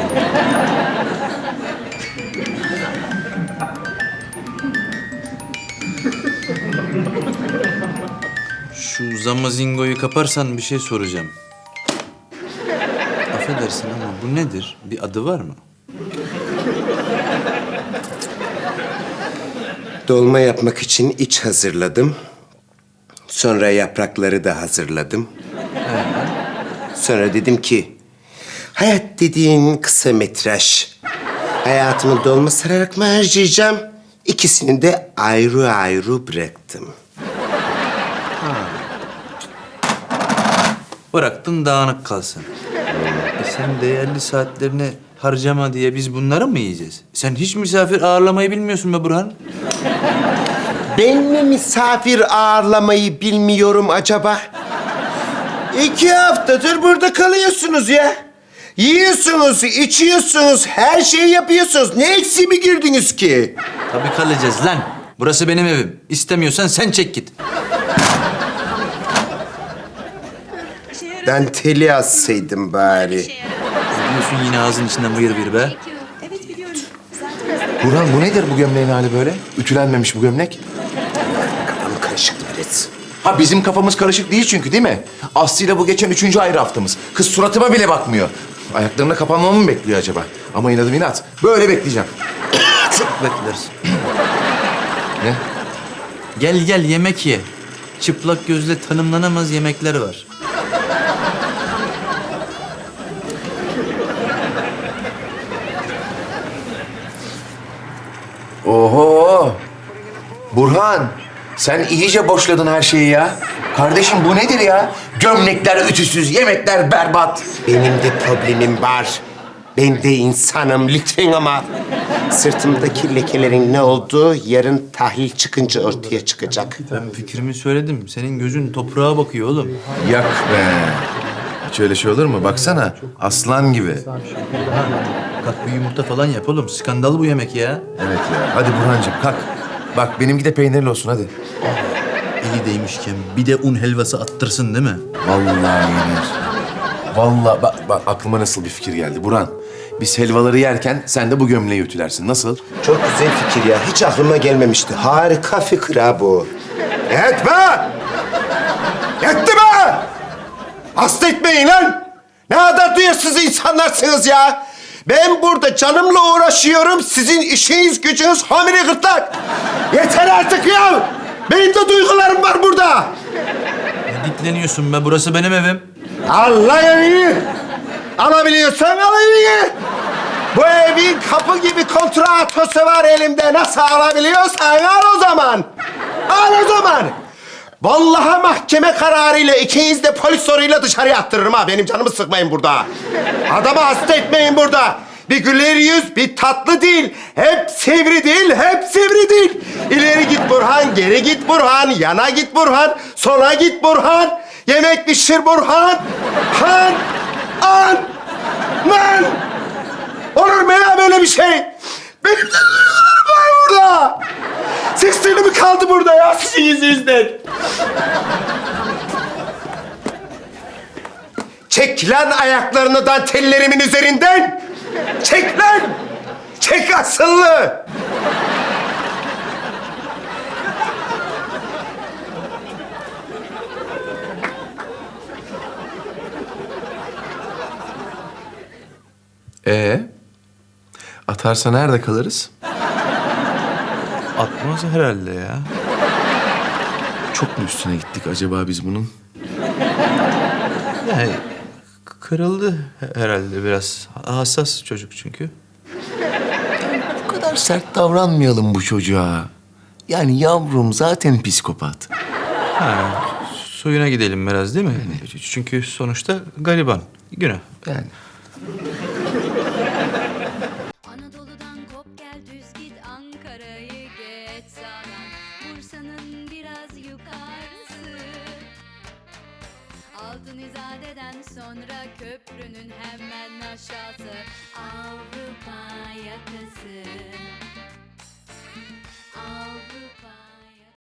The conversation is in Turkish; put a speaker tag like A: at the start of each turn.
A: Şu zamazingoyu kaparsan bir şey soracağım. Affedersin ama bu nedir? Bir adı var mı?
B: Dolma yapmak için iç hazırladım. Sonra yaprakları da hazırladım. Sonra dedim ki... hayat dediğin kısa metraj. Hayatımı dolma sararak mı harcayacağım? İkisini de ayrı ayrı bıraktım.
A: Bıraktın dağınık kalsın. Sen değerli saatlerini harcama diye biz bunları mı yiyeceğiz? Sen hiç misafir ağırlamayı bilmiyorsun be Burhan.
B: Ben mi misafir ağırlamayı bilmiyorum acaba? 2 haftadır burada kalıyorsunuz ya. Yiyorsunuz, içiyorsunuz, her şeyi yapıyorsunuz. Ne eksiğime girdiniz ki?
A: Tabii kalacağız lan. Burası benim evim. İstemiyorsan sen çek git.
B: Danteli assaydım bari.
A: Diyorsun yine ağzın içinden vıyır vıyır be.
C: Evet biliyorum. Zaten
D: Burhan bu nedir bu gömleğin hali böyle? Ütülenmemiş bu gömlek.
B: Kafam karışıktı biraz.
D: Ha bizim kafamız karışık değil çünkü değil mi? Aslı'yla bu geçen 3. ayrı haftamız. Kız suratıma bile bakmıyor. Ayaklarına kapanmamı mı bekliyor acaba? Ama inadım inat. Böyle bekleyeceğim.
A: Çok beklersin.
D: Ne?
A: Gel gel yemek ye. Çıplak gözle tanımlanamaz yemekler var.
D: Oho! Burhan, sen iyice boşladın her şeyi ya. Kardeşim bu nedir ya? Gömlekler ütüsüz, yemekler berbat.
B: Benim de problemim var. Ben de insanım lütfen ama... sırtımdaki lekelerin ne olduğu yarın tahlil çıkınca ortaya çıkacak.
A: Ben fikrimi söyledim. Senin gözün toprağa bakıyor oğlum.
D: Yak be. Hiç öyle şey olur mu? Baksana, aslan gibi.
A: Kalk bir yumurta falan yap oğlum. Skandal bu yemek ya.
D: Evet ya. Hadi Burhancığım kalk. Bak benimki de peynirli olsun hadi.
A: Eli değmişken bir de un helvası attırsın değil mi?
D: Vallahi yenir. Vallahi bak aklıma nasıl bir fikir geldi Burhan. Biz helvaları yerken sen de bu gömleği ütülersin. Nasıl?
B: Çok güzel fikir ya. Hiç aklıma gelmemişti. Harika fikir ha bu. Yetme! Yetti be! Hasta etmeyin lan! Ne kadar duyarsız insanlarsınız ya! Ben burada canımla uğraşıyorum. Sizin işiniz gücünüz hamile gırtlak. Yeter artık ya! Benim de duygularım var burada.
A: Ne dikleniyorsun be? Burası benim evim.
B: Allah evini! Alabiliyorsan al evini! Bu evin kapı gibi kontratosu var elimde. Nasıl alabiliyorsan al o zaman. Al o zaman. Vallahi mahkeme kararıyla ikiniz de polis soruyla dışarıya attırırım ha. Benim canımı sıkmayın burada. Adamı hasta etmeyin burada. Bir güler yüz, bir tatlı dil. Hep sivri dil, hep sivri dil. İleri git Burhan, geri git Burhan. Yana git Burhan, sola git Burhan. Yemek pişir Burhan. Han, an, man. Olur mu ya böyle bir şey? Benim de duygularım var burada. Sesleri mi kaldı burada ya sizin yüzünüzden? Çek lan ayaklarını dantellerimin üzerinden. Çek lan. Çek asıllı.
D: Atarsa nerede kalırız?
A: Atmaz herhalde ya.
D: Çok mu üstüne gittik acaba biz bunun?
A: Yani kırıldı herhalde biraz. Hassas çocuk çünkü.
D: Bu kadar sert davranmayalım bu çocuğa. Yani yavrum zaten psikopat.
A: Suyuna gidelim biraz değil mi? Çünkü sonuçta gariban. Günah.
D: Yani.
E: Anadolu'dan kop gel düz git Ankara'yı geç sağdan Bursa'nın biraz yukarısı Altın İzade'den sonra köprünün hemen aşağısı Avrupa yakası